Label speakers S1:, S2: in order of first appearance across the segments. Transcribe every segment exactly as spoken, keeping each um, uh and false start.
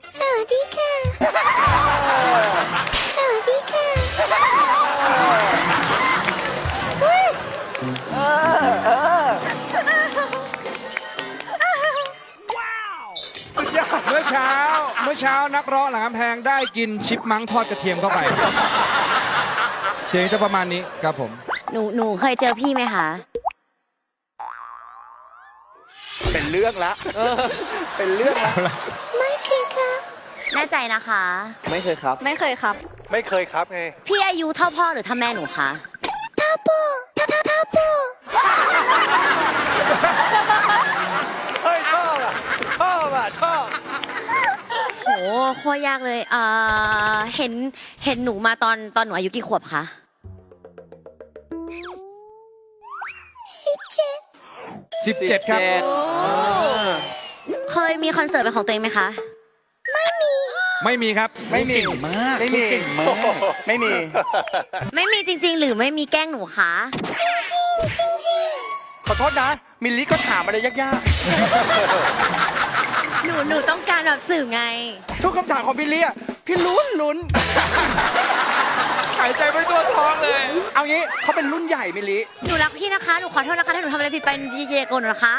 S1: สวัสดีค่ะสวัสดีค่ะ
S2: เมื่อเช้าเมื่อเช้านักร้องหลังกำแพงได้กินชิปมังทอดกระเทียมเข้าไป เสียงจะประมาณนี้ครับผม
S3: หนูหนูเคยเจอพี่ไหมคะ
S4: เป็นเรื่องละเป็นเรื่องละ
S1: ไม่เคยครับ
S3: แน่ใจนะคะ
S4: ไม่เคยครับ
S3: ไม่เคยครับ
S4: ไม่เคยครับไง
S3: พี่อายุเท่าพ่อหรือเท่าแม่หนูคะ
S1: ท้าโปท้าท้าท้าโป
S4: เฮ้ยชอบอ่ะชอบอ่ะชอบ
S3: โหโคตรยากเลยเอ่อเห็นเห็นหนูมาตอนตอนหนูอายุกี่ขวบคะ
S1: สิบเจ็ด
S2: สิบเจ็ด ครับ
S3: เคยมีคอนเสิร์ตเป็นของตัวเองไหมคะ
S2: ไม่มีครับ
S4: ไม่มีมากไม่มีมากไม่มี
S3: ไม่มีจริง ๆ หรือไม่มีแกล้งหนูคะ
S1: จริงจริงจริงจริง
S4: ขอโทษนะ มิลลิก็ถามอะไรยาก
S3: หนูหนูต้องการแบบสื่อไง
S4: ๆ ทุกคำถามของมิลลิอ่ะพี่ลุ้นลุ้น
S2: หายใจไม่ตัวท้องเลย
S4: เอางี้เขาเป็นรุ่นใหญ่มิลลิ
S3: หนูรักพี่นะคะ หนูขอโทษนะคะ ถ้าหนูทำอะไรผิดไปเยๆโกนหนูนะคะ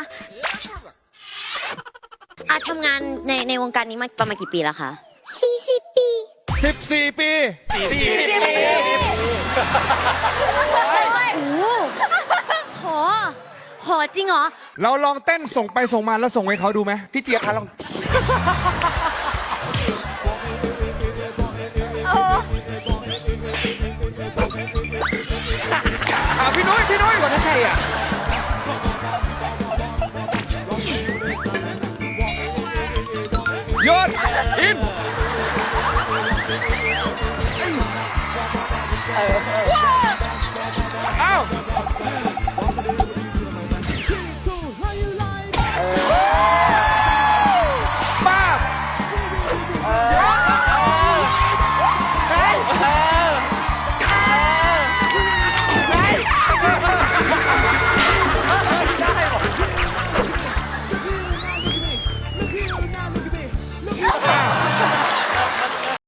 S3: อาทำงานในในวงการนี้มาประมาณกี่ปีแล้วคะ
S1: สี่สิบปี
S2: สิบสี่ ปี
S3: โอ้โหโหจริงเหรอ
S2: เราลองเต้นส่งไปส่งมาแล้วส่งให้เขาดูไหม
S4: พี่เจี๊ยบคะลอง
S2: อ่ะพี่นุ้ยพี่นุ้ย
S4: วันนั้นใครอ่ะ
S2: โยนอิน
S4: เออ